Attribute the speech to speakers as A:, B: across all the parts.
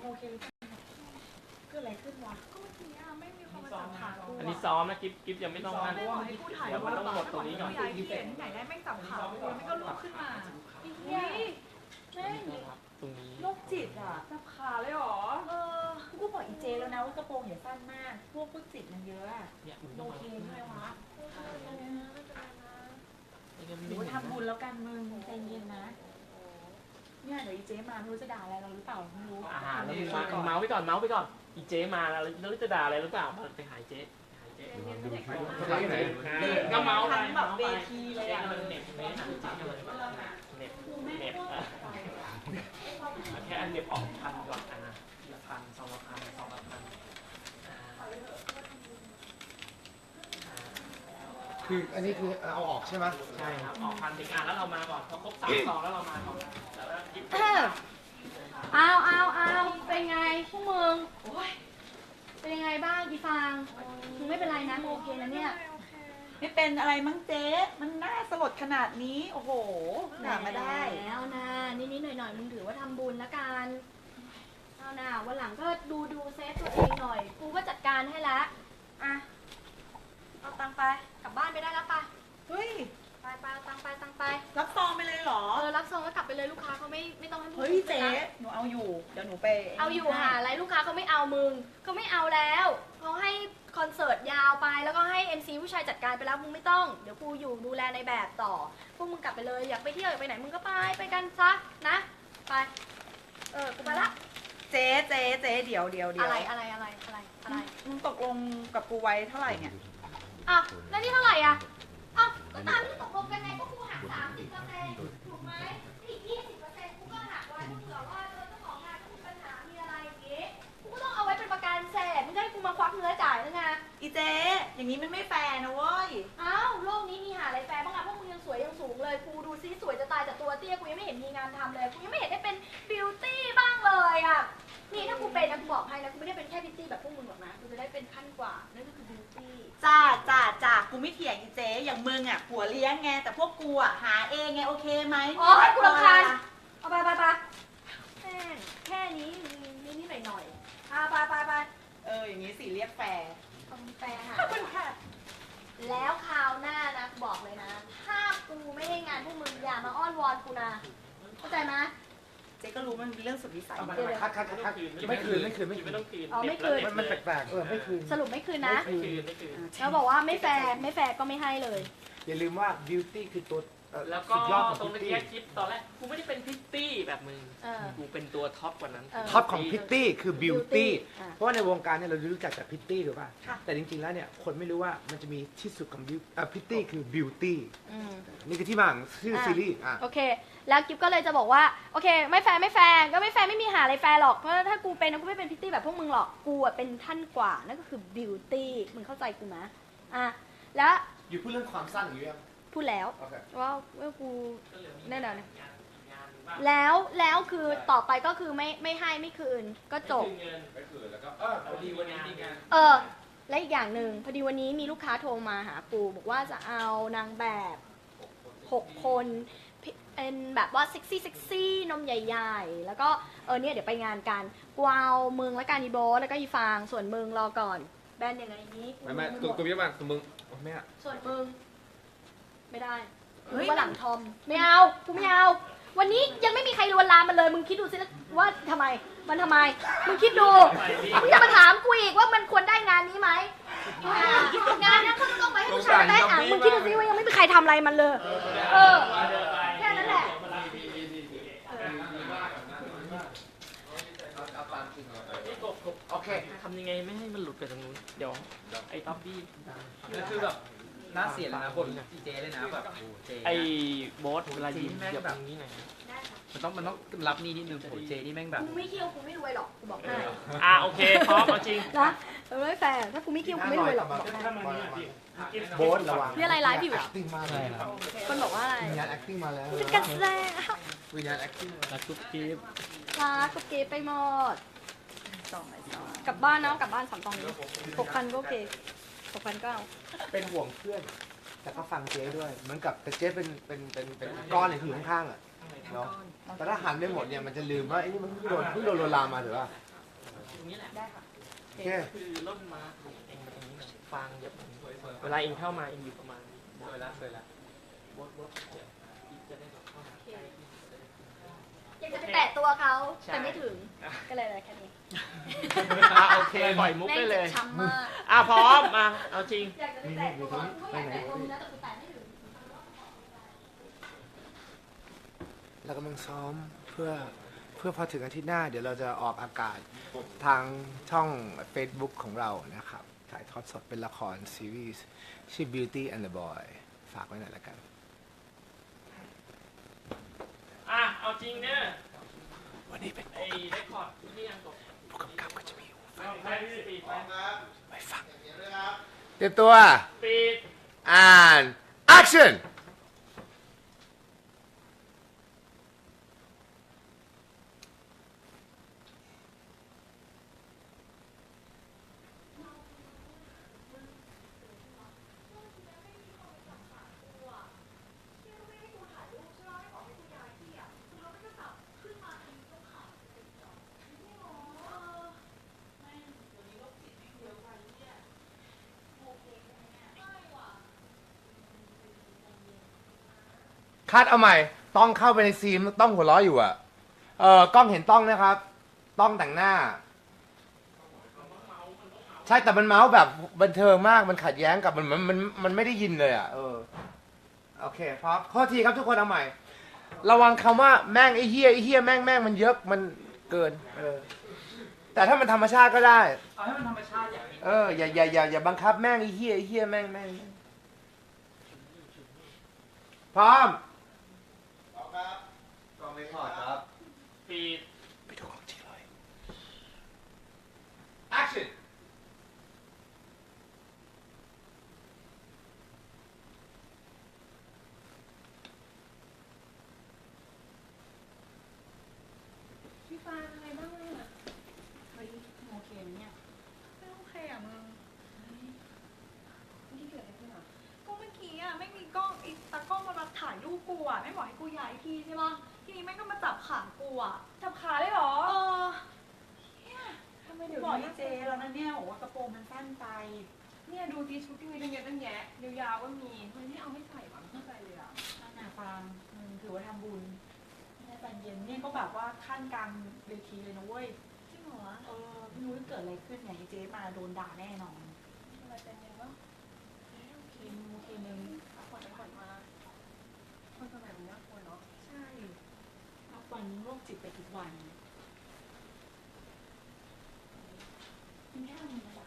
A: โอเคเกิดอะไรขึ้นวะก็เมื่อกี้ไม่มีคนมาจับขากู
B: อันนี้ซ้อมนะกิ๊บยังไม่ต้องนั่น
A: ไม่บอกให้กูถ่าย
B: เดี๋ยวมันต้องหมดตรงนี้ก่อน
A: ย้ายที่เห็นที่ไหนได้แม่งจับขากูไม่ก็ลุกขึ้นมาอีเหี้ยแม่ง
B: ตรงนี้
A: โรคจิตอ่ะจับขาเลยหรอกูบอกอีเจแล้วนะว่ากระโปรงอย่าสั้นมากพวกจิตมันเยอะอะ
B: เนี่ยมึง
A: โอ
B: ต้อง
A: เคใช่ไหมวะห
B: ดู
A: นูทำบุญแล้วกันมึงใจเย็นนะเนี่ยเดี๋ยวอีเจมาไม่รู้จะด่าอะไรเราหรือเปล่าไม่รู้
B: แล้วมึงเมาส์ไปก่อนอีเจมาแล้วจะด่าอะไรหรือเปล่าไปหายเจ๊ก็เมาส์ไป
A: ทั้งแบบเวทีเลยอ่ะ
B: เน็บแค่อันเน็บออกพันก่อนพันสองพัน
C: คืออันนี้คือเอาออกใช่ไหม
B: ใช่ครับออกพันถึงแล้วเรามาก่อนพอครบ3 ซองแล้วเรามาก่อนแต่ว่ากิ๊บ
D: เอาเป็นไงพวกมึงเป็นยังไงบ้างอีฟางมึงไม่เป็นไรนะมึงโอเคนะเนี่ย
A: ไม่เป็นอะไรมั้งเจ๊มันน่าสลดขนาดนี้โอ้โหด่ามาได้
D: แล้วนะนิดๆหน่อยๆมึงถือว่าทำบุญละกันเอานะวันหลังก็ดูเซฟตัวเองหน่อยกูก็จัดการให้ละอ่ะเอาตังค์ไปกลับบ้านไปได้แล้วปะ
A: เฮ้ย
D: ไปเอาตังค์ไป
A: รับซองไปเลยเหรอ
D: รับซองก็กลับไปเลยลูกค้าเขาไม่ต้องให้มึง
A: เฮ้ยเจ๊หนูเอาอยู่เดี๋ยวหนูไป
D: เอาอยู่หาอะไรลูกค้าเขาไม่เอามึงเขาไม่เอาแล้วเขาให้คอนเสิร์ตยาวไปแล้วก็ให้ MC ผู้ชายจัดการไปแล้วมึงไม่ต้องเดี๋ยวกูอยู่ดูแลในแบบต่อพวกมึงกลับไปเลยอยากไปเที่ยวอยากไปไหนมึงก็ไปกันซะนะไปกูไปละ
A: เจ๊เดี๋ยว
D: อะไร
A: มึงตกลงกับกูไว้เท่าไหร่เนี่ย
D: อ่ะแล้วนี่เท่าไหร่อ่ะอ่ะก็ตามที่ตกลงกันไงก็กูหัก30%ถูกไหมอีก20%กูก็หักไว้ถ้าเผื่อว่าเจ้าของงานก็มีปัญหามีอะไรอย่างงี้กูก็ต้องเอาไว้เป็นประกันเสร็จไม่ใช่กูมาควักเนื้อจ่ายนะไง
A: อีเจ๊อย่างนี้มันไม่แฟร์นะเว้ย
D: อ้าวโลกนี้มีหาอะไรแฟร์บ้างอะพวกมึงยังสวยยังสูงเลยกูดูซิสวยจะตายแต่ตัวเตี้ยกูยังไม่เห็นมีงานทำเลยกูยังไม่เห็นได้เป็นบิวตี้บ้างเลยอะนี่ถ้ากูเป็นนะกูบอกให้นะกูไม่ได้เป็นแค่บิวตี้แบบพวกมึงหรอกนะกูจะได้เป็นขั้นกว่านั่นก็คือบิวตี้
A: จ้ากูไม่เถียงอีเจ๊อย่างมึงอ่ะผัวเลี้ยงไงแต่พวกกูอ่ะหาเองไงโอเคไหม
D: โอ้ยกูรำคาญเอาไปแม่งแค่นี้นิดหน่อยไป
A: อย่างนี้สิเรียกแฟร์
D: ต้องแฟร์หา
A: ขอบคุณค่ะ
D: แล้วคราวหน้านะบอกเลยนะถ้ากูไม่ให้งานพวกมึงอย่ามาอ้อนวอนกูนะเข้าใจไหม
A: เจ๊ก็รู้มันเป็นเรื่องสุดวิสัย
C: คัดไม่คืน
B: ไม่ต้องคืน
D: อ๋อไม่คืน
C: มันแปลกๆไม่คืน
D: สรุปไม่คืนนะ
B: ไม่คืน
D: แล้วบอกว่าไม่แฟร์ก็ไม่ให้เลย
C: อย่าลืมว่า beauty คือตัว
B: แล้วก็
C: สุดยอดของ
B: ตรง
C: พิต
B: เมื่อ
C: ตี้
B: กี้คลิปตอนแรกกูไม่ได้เป็นพิตตี้แบบมึงกูเป็นตัวท็อปกว่านั้น
C: ท็อปของพิตตี้คือ beauty
D: อ่ะ
C: เพราะว่าในวงการเนี่ยเรารู้จักแต่พิตตี้ถูกป่ะแต่จริงๆแล้วเนี่ยคนไม่รู้ว่ามันจะมีที่สุดของพิตตี้คือ beauty นี่คือที่มาของชื่อซีรีส์อ่ะ
D: โอเค แล้วกิฟก็เลยจะบอกว่าโอเคไม่แฟร์ก็ไม่แฟร์ไม่มีหาอะไรแฟร์หรอกเพราะถ้ากูเป็นกูไม่เป็นพิตตี้แบบพวกมึงหรอกกูอะเป็นท่านกว่านั่นก็คือบิวตี้มึงเข้าใจกูไหมอ่ะแล้ว
C: อยู่พูดเรื่องความสั้นอยู่ยัง
D: พูดแล้ว
C: โอเค
D: ว่ากูแน่นอนแล้วคือต่อไปก็คือไม่ให้ไม่คืนก็จบ
C: ไม่คืนแล้วก็พอดีวันนี้มีงาน
D: และอีกอย่างหนึ่งพอดีวันนี้มีลูกค้าโทรมาหากูบอกว่าจะเอานางแบบ6 คนเป็นแบบว่าเซ็กซี่นมใหญ่ๆแล้วก็เนี่ยเดี๋ยวไปงานกันกูเอามึงและการอีโบแล้วก็อีฟางส่วนมึงรอก่อนแบนอย่างไรนี้
C: ไม่กูไม่มาตัวมึงไม่อะ
D: ส่วนมึงไม่ได้ว่าหลังทอมไม่เอากูไม่เอาวันนี้ยังไม่มีใครลวนลามมันเลยมึงคิดดูสิว่าทำไมมึงคิดดูมึงจะมาถามกูอีกว่ามันควรได้งานนี้ไหมงานนั้นเขาจะต้องไปให้ผู้ชายได้อ่ะมึงคิดดูสิว่ายังไม่มีใครทำอะไรมันเลยแค่นั้นแหละ
C: โอเค
B: ทำยังไงไม่ให้มันหลุดไปตรงนู้นเดี๋ยวไอ้ต๊อบบี้
E: แล้วคือแบบน่าเสียเลยนะคนอีเจเลยนะแบบเจ
B: ไอ้โบ๊ทเวลายิ้มเดี๋ยวตรงนี้หน่อย
E: มันต้องรับนี่นิดนึงโหเจนี่แม่งแบบ
D: กูไม่เคี่ยวกูไม่รวยหรอกกูบอกให้
B: โอเคพร้อมเอาจริง
D: นะไม่แฟร์ถ้ากูไม่เคี่ยวกูไม่รวยหรอกบอกให้
C: โบ๊ทระวัง
D: นี่อะไรไลฟ์อยู่อ่ะ
C: acting มาเลยครับ
D: คนบอกว่าอะไร
C: วิญญาณ acting มาแล้ว
D: เป็นการแสดง
C: วิญญาณ acting
B: รักทุกคลิป
D: รักกับเกไปหมดกลับบ้านนะกลับบ้าน3 ตองนี้6,000ก็โอเค6,000ก็เอา
C: เป็นห่วงเพื่อน แต่ก็ฟังเจ๊ด้วยเหมือนกับแต่เจ๊เป็นก้อนเลยที่อยู่ข้างๆอ่ะเนาะแต่ถ้าหันไปหมดเนี่ยมันจะลืมว่าไอ้นี่มันเพิ่งโดนลวนลามมาหรือว่า
B: รงนี้แหละ
A: ได้ค่ะ
C: โอเค
B: คือร่มมาเองมาตรงนี้หน่อยฟางเหยียบตรงนี้เวลาเองเข้ามาเองอยู่ประมาณนี้
E: สวยละสวยละ
B: บดเดี๋ยวอีกจะได้แบบเข้ามาใกล้ที่จะได้
D: อยากจะไปแตะตัวเขา
B: ใช่
D: แต่ไม่ถึง ก็เลยแค่นี้
B: โอเคปล่อยมุกได้เลย
D: แม่งจ็บช้ำมาก
B: พร้อมมาเอาจริง
D: อยากจะไปแตะตัวกูก็อยากแตะตัวมึงนะแต่กูแตะไม่ถึง
C: เรากำลังซ้อมเพื่อพอถึงอาทิตย์หน้า เดี๋ยวเราจะออกอากาศทางช่อง Facebook ของเรานะครับ ถ่ายทอดสดเป็นละครซีรีส์ชื่อ Beauty and the Boy ฝากไว้หน่อยละกัน
B: เอาจริงเนี่ย
C: วันนี้เป็น
B: ไอ้เรคคอร์ดที่ยังตก
C: ผู้กำกับก็จะมีหูฟัง
B: ไปปีดไป
C: ไว้ฟังเตรียมตัว
B: ปีด
C: and action คัดเอาใหม่ ต้องเข้าไปในซีนต้องหัวเราะอยู่อ่ะ กล้องเห็นต้องนะครับ ต้องแต่งหน้า ใช่แต่มันเมาส์แบบบันเทิงมาก มันขัดแย้งกับมันไม่ได้ยินเลยอ่ะ โอเคพร้อมข้อทีครับทุกคนเอาใหม่ ระวังคำว่าแม่งไอ้เหี้ยแม่งมันเยอะมันเกิน แต่ถ้ามันธรรมชาติก็ได้
E: เอาให้มันธรรมชาติอย่างนี้
C: อย่าบังคับแม่งไอ้เหี้ยแม่งพร้อม
E: กล้องไม่ถอดครับ
B: ปีด
C: ไปดูของจริงเลย
E: action
A: พี่ฟ้าอะไรบ้างอ่ะเฮ้ยโอเคไหมเนี่ยไม่โอเคอ่ะมึงที่เกิดอะไรขึ้นอ่ะก็เมื่อกี้อ่ะไม่มีกล้องอีตากล้องมาถ่ายรูปกูอ่ะไม่บอกให้กูย้ายที่ใช่ปะทีนี้แม่งก็มาจับขากูอ่ะจับขาเลยเหรอทำไมเดี๋ยวบอกเจแล้วนะเนี่ยบอกว่ากระโปรงมันสั้นไปเนี่ยดูดีชุดที่มีตั้งเยอะตั้งแยะยาวๆก็มีทำไมไม่เอาไม่ใส่หวังเข้าใจเลยอ่ะน่าฟังมึงถือว่าทำบุญไม่ได้ตอนเย็นเนี่ยก็แบบว่าขั้นกลางเวทีเลยนะเว้ยจริงเหรอไม่รู้จะเกิดอะไรขึ้นเนี่ยเจ๊มาโดนด่าแน่นอนอะไรเป็นยังไงวะโอเคนึงผ่อนมาคนสมัยมันน่ากลัวเนาะใช่นับวันโรคจิตไปทุกวันมันแค่นี้นะ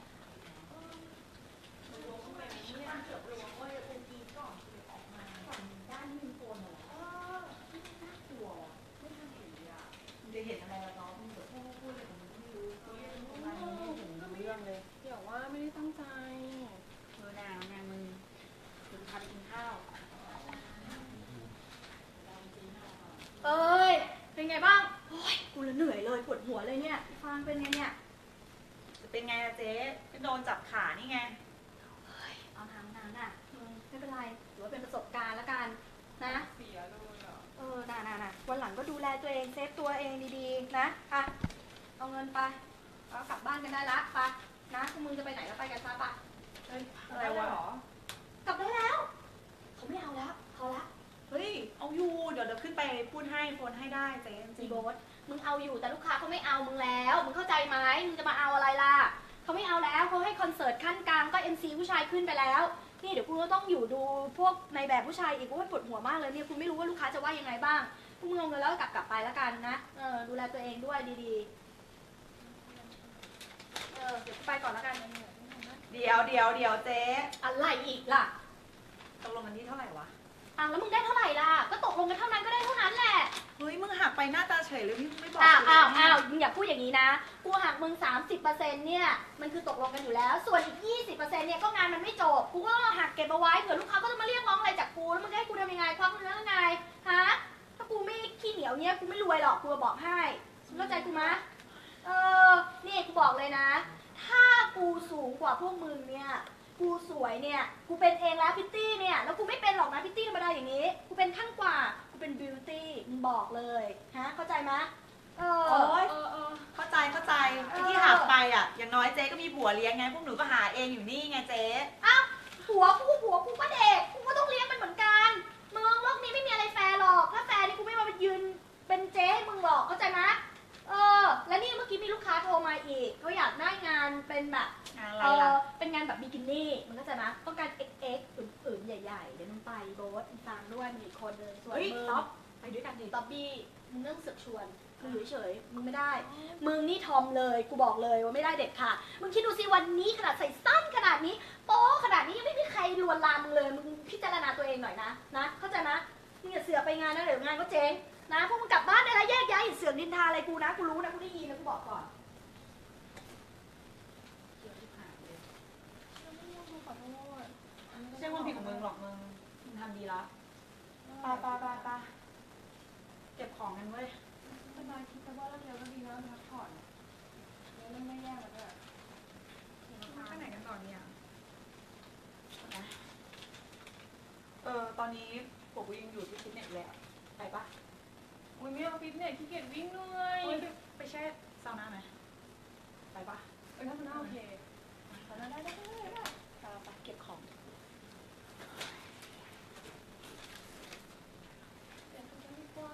A: จะเห็นอะไรละน้องมึงเดี๋ยวพูดเลยผมไม่รู้ไม่เห็นเรื่องเลย
F: เดี๋ยวว่าไม่ได้ตั้งใจ
A: นางมึงถึงพาไปกินข้าว
D: เอ้ย เป็นไงบ้าง โอ้ย กูละเหนื่อยเลยปวดหัวเลยเนี่ยพี่ฟางเป็นไงเนี่ย
A: จะเป็นไงล่ะเจ๊ก็โดนจับขานี่ไง
D: เอาทางนั้นน่ะไม่เป็นไรถือว่าเป็นประสบการณ์แล้วกันนะ
F: เสียเลยอ่ะ
D: น่ะวันหลังก็ดูแลตัวเองเซฟตัวเองดีๆนะอ่ะเอาเงินไปแล้วกลับบ้านกันได้ละไปนะพวกมึงจะไปไหนก็ไปกันซะปะ
A: อะไรวะ
D: กลับได้แล้วเขาไม่เอาแล้วเขาละ
A: เฮ้ย เอาอยู่ เดี๋ยวขึ้นไปพูดให้โฟนให้ได้เจ๊จริ
D: จี
A: ง
D: โบสมึงเอาอยู่แต่ลูกค้าเขาไม่เอามึงแล้วมึงเข้าใจไหมมึงจะมาเอาอะไรล่ะเขาไม่เอาแล้วเขาให้คอนเสิร์ตขั้นกลางก็ MC ผู้ชายขึ้นไปแล้วนี่เดี๋ยวกูก็ต้องอยู่ดูพวกในแบบผู้ชายอีกกูว่าปวดหัวมากเลยเนี่ยคุณไม่รู้ว่าลูกค้าจะว่ายังไงบ้างพวกมึงเอาเงินแล้วก็กลับไปแล้วกันนะดูแลตัวเองด้วยดีๆเดี๋ยวไปก่อนแล้วกัน
A: เดี๋ยวเจ๊
D: อะไรอีกล่ะ
A: ตกลงกันที่เท่าไหร่วะ
D: แล้วมึงได้เท่าไหร่ล่ะก็ตกลงกันเท่านั้นก็ได้เท่านั้นแหละ
A: เฮ้ย มึงหักไปหน้าตาเฉยเลยพี่ไม่บอก
D: มึงอย่าพูดอย่างนี้นะกูหักมึง 30%เนี่ยมันคือตกลงกันอยู่แล้วส่วนอีก 20%เนี่ยก็งานมันไม่จบกูก็ต้องหักเก็บเอาไว้เผื่อลูกค้าก็จะมาเรียกร้องอะไรจากกูแล้วมึงจะให้กูทำยังไงควักเนื้อยังไงฮะถ้ากูไม่ขี้เหนียวเนี่ยกูไม่รวยหรอกกูจะบอกให้เข้าใจกูมะนี่กูบอกเลยนะ ถ้ากูสูงกว่าพวกมึงเนี่ยกูสวยเนี่ยกูเป็นเองแล้วพิตตี้เนี่ยแล้วกูไม่เป็นหรอกนะพิตตี้ธรรมดาอย่างนี้กูเป็นขั้นกว่ากูเป็นบิวตี้มึงบอกเลยฮะเข้าใจไหม
A: โอ๊ยเข้าใจไอ้ที่หักไป
G: อ่ะ อย่างน้อยเจ๊ก็มีผัวเลี้ยงไง พวกหนูก็หาเองอยู่นี่ไงเจ๊
D: อ้าวผัวกูก็เด็กกูก็ต้องเลี้ยงมันเหมือนกันมึงโลกนี้ไม่มีอะไรแฟร์หรอกถ้าแฟร์นี่กูไม่มายืนเป็นเจ๊ให้มึงหรอกเข้าใจไหมแล้วนี่เมื่อกี้มีลูกค้าโทรมาอีกเขาอยากได้งานเป็นแบบเป็นงานแบบบิกินี่มึงเข้าใจไหมต้องการ XX อึ๋มๆใหญ่ๆเดี๋ยวมึงไปโบ๊ทอีกตามด้วยมีอีกคนนึงส่วน
G: เฮ้ย
D: มึง
G: ต๊อบไปด้วยกันดิ
D: ต๊อบบี้มึงเรื่องเสือกชวนมึงอยู่เฉยๆมึงไม่ได้ มึงนี่ทอมเลยกูบอกเลยว่าไม่ได้เด็ดขาดมึงคิดดูสิวันนี้ขนาดใส่สั้นขนาดนี้โป๊ขนาดนี้ยังไม่มีใครลวนลามมึงเลยมึงพิจารณาตัวเองหน่อยนะเข้าใจไหมมึงอย่าเสือกไปงานนะเดี๋ยวงานก็เจ๊งนะพวกมึงกลับบ้านได้แล้วแยกย้ายอย่าเสือกนินทาอะไรกูนะกูรู้นะกูได้ยินนะกูบอกก่อน
G: ไม่ใช่ความผิดของมึงหรอกมึงทำดีละไปเก็บของกันเว้ย
A: สบายคิดแต่ว่าเราเดียวก็ดีแล้วพักผ่อนแล้วไม่แย่แล้วด้วยไปไหนกันต่อเนี่ย
G: ตอนนี้ผมก็ยังอยู่ที่ฟิตเนสเลยอะไปปะ
A: อุ้ยไม่เอาฟิตเนสขี้เกียจวิ่งเลย
G: ไปแช่ซาวน่าไหมไปปะ
A: ถ้ามันโอเค
G: ได้ไปเก็บของ
A: เดี๋ยวกันดีกว่า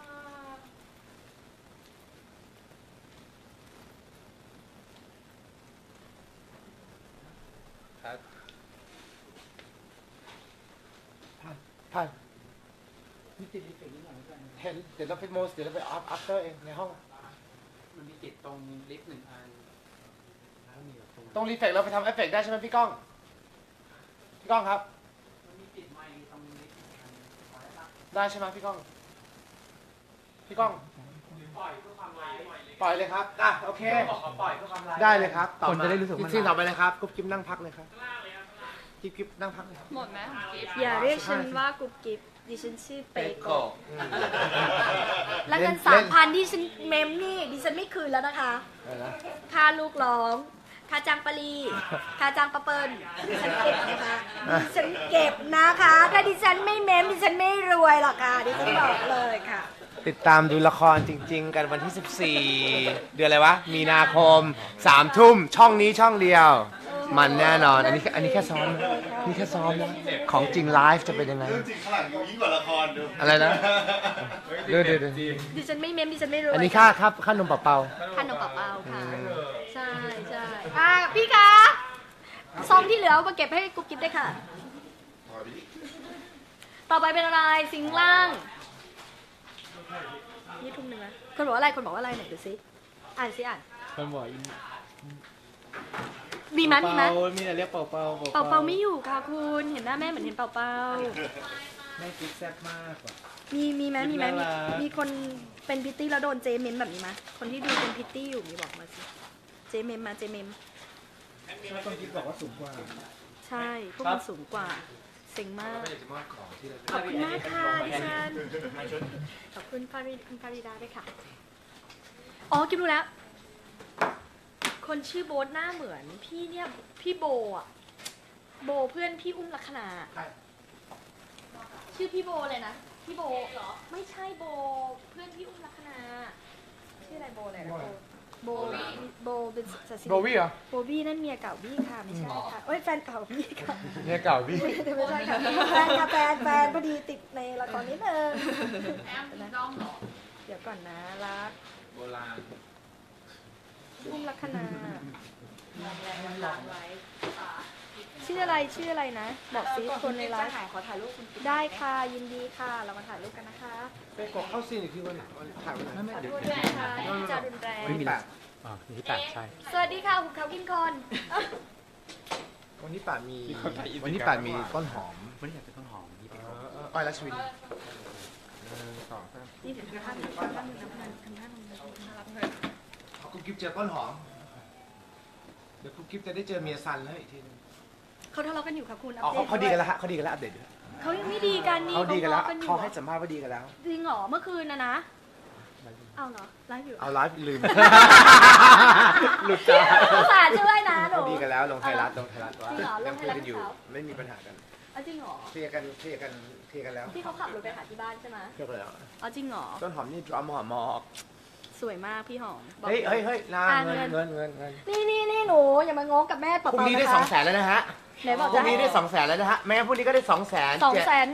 C: ผ่าน
E: มีติดรีเฟกนิดหน่อยด้วย
C: เห็นเดี๋ยวเราไปโมสเดี๋ยวเราไปอัพเตอร์เองในห้อง
E: มันมีติดตรงลิฟต์หนึ่งอันแล้วมีแบบตรง
C: ตรงรีเฟกเราไปทำเอฟเฟกต์ได้ใช่ไหมพี่ก้องพี่ก้องครับ
E: มันมีติดไมค์ตรงลิฟต์หนึ่งอันพอได้ปะ
C: ได้ใช่ไหมพี่ก้องพี่ก้อง
B: ปล่อยเพื่อความไลฟ์
C: ปล่อยเลยครับโอเค
E: บอกเขาปล่อยเพื่อความไลฟ์
C: ได้เลยครับต่อ
E: คน
C: มา
E: จะได้รู้สึกว่ามัน
C: ที่ต่อไปเลยครับกุ๊บกิ๊บนั่งพักเลยครับกิ๊บนั่งพักเลยครับ
A: หมดไหมของกิฟต์
D: อย่าเรียกฉันว่ากุ๊บกิ๊บดิฉันชื่อเปโกะ
C: อืม
D: แล้วเงิน
C: เล่น
D: 3,000ที่ฉันเมมนี่ดิฉันไม่คืนแล้วนะคะ
C: อะไรนะ
D: ค่าลูกร้อง ค่าจ้างปลีค่าจ้างปะเปิลดิฉันเก็บนะคะดิฉันเก็บนะคะ ถ้าดิฉันไม่เมมดิฉันไม่รวยหรอกค่ะดิฉันบอกเลยค่ะ
C: ติดตามดูละครจริง ๆ กันวันที่ 14 เดือนอะไรวะ มีนาคม 3 ทุ่มช่องนี้ช่องเดียว มันแน่นอน อันนี้แค่ซ้อมนะนี่แค่ซ้อมนะของจริงไลฟ์จะเป็นยังไง
H: เรื่องจริงข้างหลังยิ่งกว่าละครดู
C: อะไรนะเดี๋ยว
D: ดิฉันไม่เมมดิฉันไม่รวย
C: อันนี้ค่านมเปล่า
D: ขนมเปล่าๆค่ะ ใช่พี่คะซองที่เหลือเอามาเก็บให้กุ๊บกิ๊บได้วยค่ะ ต่อไปเป็นอะไรสิงห์ล่างนี่ทุ่มหนึ่งนะคนบอกว่าอะไรไหนดูซิอ่านซิอ่าน
E: คนบอก
D: มีมั้ยมีมั้ย
E: มีแต่เรียกเป่า
D: เป่าไม่อยู่ค่ะคุณเห็นหน้าแม่เหมือนเห็นเป่า
E: แม่กิ๊กแซ่บมากกว่า
D: มีมั้ย
E: น่ารัก
D: มีคนเป็นพิตตี้แล้วโดนเจเมมแบบนี้มั้ยคนที่ดูเป็นพิตตี้อยู่มีบอกมาสิเจเมม
E: ชอบตรงกิ๊กบอกว่าสูงกว่า
D: ใช่พวกมันสูงกว่าเซ็งมากขอบคุณมากค่ะดิฉันขอบคุณคุณฟาริดาด้วยค่ะอ๋อกิ๊บรู้แล้วคนชื่อโบ๊ทหน้าเหมือนพี่เนี่ยพี่โบอ่ะโบเพื่อนพี่อุ้มลักษณะชื่อพี่โบเลยนะพี่โบเหรอไม่ใช่โบเพื่อนพี่อุ้มลักษณะชื่ออะไรโบเลยนะโบเป็นศาสิ
C: ๆโบวี่เหรอ
D: โบบี้นั่นเมียเก่าบี้ค่ะไม่ใช่ค่ะเอ้ยแฟนเก่าบี้ค่ะ
C: เนี่ยเก่าพี่
D: ไม่ใช่ค่ะแฟนค่ะแฟนพอดีติดในละครนิดนึง
A: แอมมีน้องเหรอ
D: เดี๋ยวก่อนนะรัก
E: โบราณ
D: อุ้มลักษณะ
A: หลอกไว้
D: ชื่ออะไรนะ บอกซิคนในไลฟ์
G: ขอถ่ายรูปคุณ
D: ได้ค่ะยินดีค่ะเรามาถ่ายรูปกันนะคะ
C: ไปกดเข้าซีนอีกทีวันไหนถ่ายวันไหน
D: ขอโทษด้วยนะคะที่จะรุนแรง
C: วันที่8
E: มีที่แปดใช่
D: สวัสดีค่ะหุบเขากินคน
C: วันที่8มีวันที่8มีต้นหอม
E: ไม่ได้อยากเป็นต้นหอมนี่เป็น
C: อ้อยรัชวินต่อ
D: นี่ถึงท่าหนึ่งทำท่าหนึ่งน่ารักเลย
C: กุ๊บกิ๊บเจอต้นหอมเดี๋ยวกุ๊บกิ๊บจะได้เจอเมียซันแล้วอีกทีนึง
D: เขาทะเลาะกันอยู่ค่ะคุณ
C: อ๋อเขาดีกันแล้วฮะเขาดีกันแล้วอัปเดตด้วย
D: เขายังไม่ดีกันนี่
C: เขาดีกันแล้ว
D: ทะะอยู่
C: เขาให้สัมภาษณ์ว่าดีกันแล้ว
D: จริงเหรอเมื่อคืนนะเอาเหรอไลฟ์อยู่
C: เอาไลฟ์ลืม
E: หลุดจ้า
D: ภาษาช่วยนะหนู
C: เขาดีกันแล้วลงไทยรัฐว่า
D: จริงเหรอล
C: ยัง
D: งไท
C: คุ
D: ย
C: ย
D: รัฐ
C: กันอยู่
D: เขา
C: ไม่มีปัญหากัน
D: เอาจริงเหรอ
C: เคลียร์กันแล้ว
D: ที่เขาขับรถไปหาที่บ้านใช่ไหม
C: เคลียร์กันแล้ว
D: เอาจริงเหรอ
C: ต้นหอมนี่ดรัมหอมมอก
D: สวยมากพี่หอมบอก
C: เฮ้ยนา
D: อ่ะ
C: เงิน
D: เงิน
C: เงิน
D: นี่หนูอย่ามางงกับแม่เป
C: พรุ่ง
D: ล่าๆ
C: นี้
D: นะ
C: ได้
D: คะ
C: 200,000แล้วนะฮะ
D: ไหนบอก
C: พรุ่
D: จะ
C: ง
D: ให้
C: นี้ได้200,000แล้วนะฮะแม้พรุ่งนี้ก็ได้200,000
D: 200,000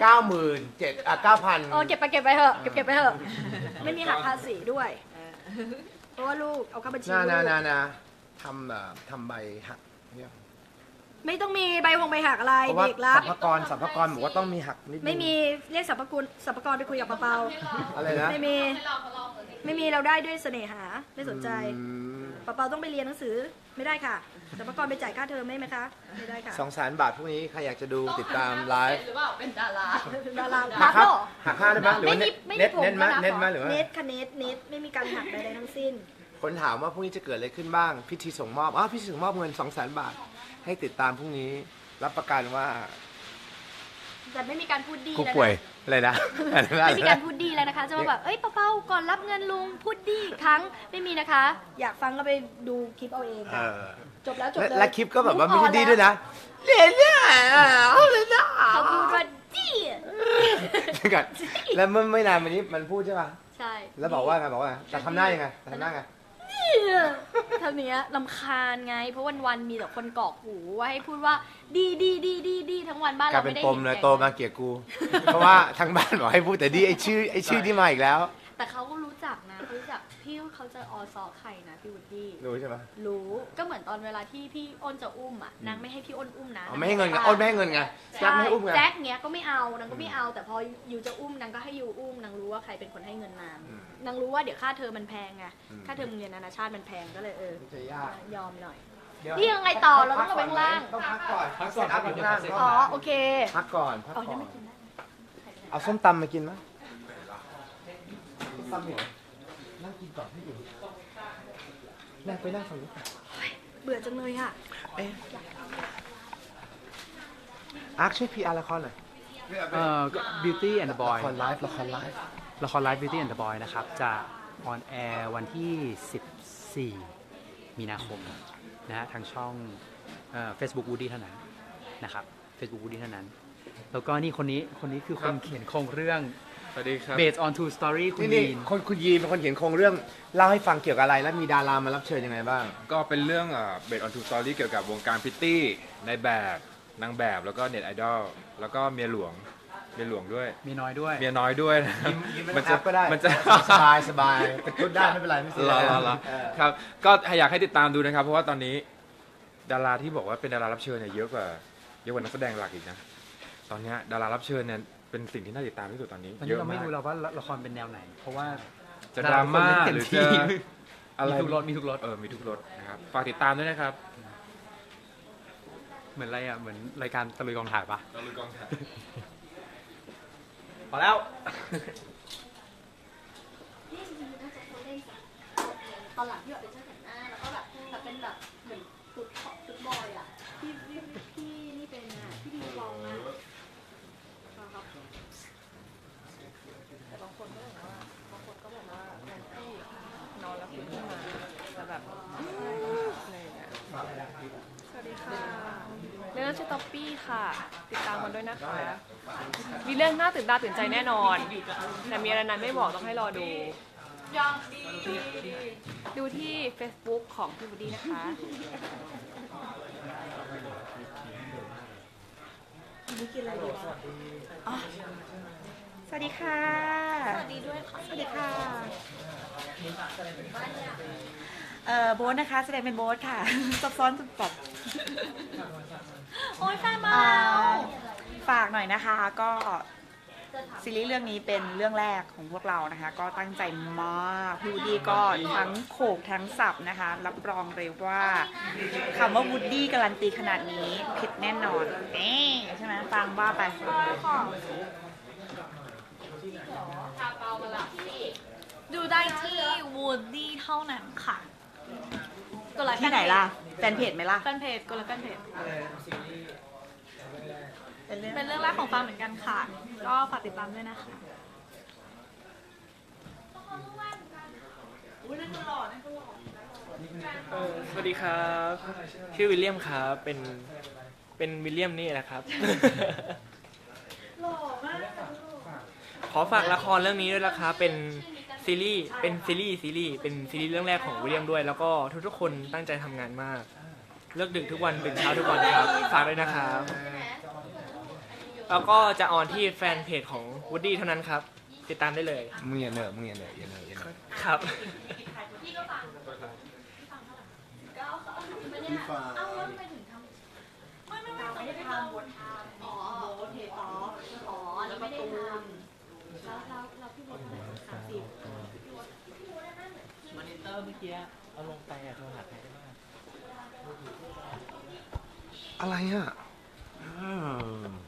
C: 9,000
D: เก็บไปเถอะเก็บไปเถอะไม่มีหักภาษีด้วย เพราะว่าลูกเอาเข้าบัญชีลูก
C: นะทำใบหักเนี่ย
D: ไม่ต้องมีใบหักอะไร
C: เพราะว่า
D: เด็กรับ
C: สรรพากรบอกว่าต้องมีหักนิดนึง
D: ไม่มีเรียกสรรพากรไปคุยกับเปา
C: อะไรนะ
D: ๆไม่มีเราได้ด้วยเสน่หาไม่สนใจ
C: อืม
D: เปาๆต้องไปเรียนหนังสือไม่ได้ค่ะสรรพากรไปจ่ายค่าเทอมได้ไหมคะไม่ได้ค่ะ
C: 200,000 บาทพรุ่งนี้ใครอยากจะดูติดตามไลฟ์
F: หรือเปล่าเป็นดารา
D: ดารา
C: หั
D: พั
C: ก
D: ก
C: ครับ
D: เหรอ
C: หักค่าได้ไหมหรือว่า
D: ไม่
C: เน็ต
D: ผม
C: เน็ตไหม
D: นะ
C: เน็ตไหมหรือว่า
D: เน็ตค่ะเน็ตไม่มีการหักใดๆทั้งสิ้น
C: คนถามว่าพรุ่งนี้จะเกิดอะไรขึ้นบ้าง พิธีส่งมอบพิธีส่งมอบเงิน 200,000 บาท ให้ติดตามพรุ่งนี้รับประกันว่า
D: แต่ไม่มีการพูดดี
C: กู
D: แล้ว
C: ป่วย
D: นะ
C: อะไรนะ
D: ไม่มีการพูดดีแล้วนะคะจะมาแบบเอ้ยเปาๆก่อนรับเงินลุงพูดดีอีกครั้งไม่มีนะคะ อยากฟังก็ไปดูคลิปเอาเอง
C: เอ
D: ค่ะ
C: อ
D: จบแล้วจบเลย
C: และคลิปก็แบบว่าไม่ใช่ดีด้วยนะเล่นเนี่ยเลยนะ
D: เขาพูดว่าดี
C: เดี๋ยวก่อนแล้วเมื่อไม่นานมานี้มันพูดใช่ป่ะ
D: ใช่
C: แล้วบอกว่าไงแต่ทำหน้ายังไงแต่ทำหน้าไง
D: เท่านี้ลำคาญไง เพราะวันๆมีแต่คนกรอกหูว่าให้พูดว่าดีทั้งวันบ้าน
C: กลาย
D: เรา
C: เป็น
D: ไม่ได้
C: ปมเลยโตมาเกลียดกู เพราะว่าทั้งบ้านบอกให้พูดแต่ดีไอชื่อที่มาอีกแล้ว
D: แต่เขาก็รู้จักนะเขารู้จักพี่เขาจะอซอใครนะพี่วูดดี้
C: รู้ใช่ไหม
D: รู้ก็เหมือนตอนเวลาที่พี่อ้นจะอุ้มอ่ะนางไม่ให้พี่อ้นอุ้มนะ
C: ไม่ให้เงินไงอ้นไม่ให้เงินไงแจ็คไม่ให้อุ้มไง
D: แจ็คเนี้ยก็ไม่เอานางก็ไม่เอา แต่พอยูจะอุ้มนางก็ให้ยูอุ้มนางรู้ว่าใครเป็นคนให้เงินนางนางรู้ว่าเดี๋ยวค่าเทอมมันแพงไงค่าเทอมโรงเรียนนานาชาติมันแพงก็เลย
C: จะยาก
D: ยอมหน่อย
C: เดี๋ยว
D: นี่ยังไงต่อเราต้องลงไปข้างล่าง
C: ต้องพักก่อนเซตอัพอยู่ข้างล่าง
D: อ๋อโอเค
C: พักก่อน
D: อ๋อยังไม่กินได้
C: เอาส้มตำมากินไหมส้มตำเหรอนั่งกินก่อนพี่อยู่นั่งไปนั่งฝั่งนี้
D: เบื่อจังเลยอ่ะ
C: อาร์คช่วยพีอาร์ละครหน่อย
E: Beauty and the Boy
C: ละครไลฟ์
E: ละครไลฟ์ Beauty and the Boy นะครับ จะออนแอร์วันที่ 14 มีนาคมนะฮะทางช่องFacebook Woody เท่านั้นนะครับ Facebook Woody เท่านั้น แล้วก็นี่คนนี้คือคนเขียนโครงเรื่อง
H: สวัสดีครับ
E: Based on True Story คุณ
C: นี่
E: ยีน
C: คุณยีนเป็นคนเขียนโครงเรื่องเล่าให้ฟังเกี่ยวกับอะไร แล้วมีดารามารับเชิญยังไงบ้าง
H: ก็เป็นเรื่องเบสออนทูสตอรี่เกี่ยวกับวงการพิตตี้ในแบบนางแบบแล้วก็เน็ตไอดอลแล้วก็เมียหลวงด้วย
E: มีน้อยด้วย
H: เมียน้อยด้วยนะครับ
C: มันจะก็ได้
H: มันจะ
C: สบายเป็นชุดได้ไม่เป็นไรไม่เสีย
H: รอครับก็อยากให้ติดตามดูนะครับ เพราะว่าตอนนี้ดาราที่บอกว่าเป็นดารารับเชิญเนี่ยเยอะกว่านักแสดงหลักอีกนะตอนเนี้ยดารารับเชิญเนี่ยเป็นสิ่งที่น่าติดตามที่สุดตอนนี้
E: ตอน
H: เย
E: นี้
H: อะ
E: เราไม่
H: มาก
E: รู้เราว่าละครเป็นแนวไหน เพราะว่า
H: จะดราม่า
E: เต็
H: หรือ
E: ที่
H: จะอะไร
E: มีทุกรสมีทุกรส
H: มีทุกรสนะครับฝากติดตามด้วยนะครับ
E: เหมือนอะไรอ่ะ เหมือนรายการตะลุยกองถ่ายปะ
H: เราลุยกองถ่าย
E: พอแล้ว
D: นี่จริงๆน่าจะเขาเล่นแบบตอนหลังที่แบบเป็นช่างแต่งหน้าแล้วก็แบบเป็นแบบเหมือนฟุตบอยอ่ะพี่นี่เป็นอ่ะพี่ดีวองอ่ะครับแต่บางคนก็บอกว่า
A: แอนตี้นอนแล้วฟื้นขึ้นมาแล้วแบบอะไรอย่างเงี้ยสวัสดีค่ะเรื่องชื่อท็อปปี้ค่ะ ติดตามกันด้วยนะคะ มีเรื่องน่าตื่นตาตื่นใจแน่นอน แต่มีอะไรนั้นไม่บอกต้องให้รอดู ดูที่ Facebook ของพี่บูดี้นะคะ
D: นี่กินอะไรดีวะ
G: สวัสดีค่ะ
D: สวัสดีด้วยค่ะ
G: สวัสดีค่ะโบ๊ทนะคะ แสดงเป็นโบ๊ทค่ะ ซับซ้อนสุดแบบ
D: โอ้ยแฟนมา
G: ฝากหน่อยนะคะ ก็ซีรีส์เรื่องนี้เป็นเรื่องแรกของพวกเรานะคะ ก็ตั้งใจมากพี่วูดดี้ก็ทั้งโขกทั้งสับนะคะ รับรองเลยว่าคำว่าวูดดี้การันตีขนาดนี้ผิดแน่นอนใช่ไหมฟังบ้าไป
D: ดูได้ที่วูดดี้เท่านั้นค่ะกดไลค์
G: ที่ไหนล่ะแฟนเพจไหมล่ะ
D: แฟนเพจกดไลค์แฟนเพจ
G: เป็นเรื่อง
D: เป็นเรื่องแรกของฟังเหมือนกันค่ะ ก็ฝากติดตามด้วยนะคะ
B: สวัสดีครับชื่อวิลเลียมครับเป็นวิลเลียมนี่นะครับ ขอฝากละครเรื่องนี้ด้วยนะคะเป็นซีรีส์เรื่องแรกของวิลเลียมด้วย แล้วก็ทุกๆคนตั้งใจทำงานมากเลิกดึกทุกวันตื่นเช้าทุกวันครับ ฝากด้วยนะครับ แล้วก็จะออนที่แฟนเพจของ Woody เท่านั้นครับ ติดตามได้เลย
C: มึงอย่าเหนอะมึงอย่าเหนอะอย่าเหนอะอย่าเหนอะ
B: ครับ
D: พี่ก็ฟังพี่ฟังเท่าไหร่ก็ไม่เนี่ยเอ้าแล้วทำไมถึงทำไม่ได้ทำบททำอ๋อโอเคอ๋อนี่ไม่ได้ทำแล้วพี่บทเท่าไหร่30
B: มอนิเตอร์เมื่อกี้เอาลงไปโทรหาใครได้บ้าง
C: อะไรอ่ะ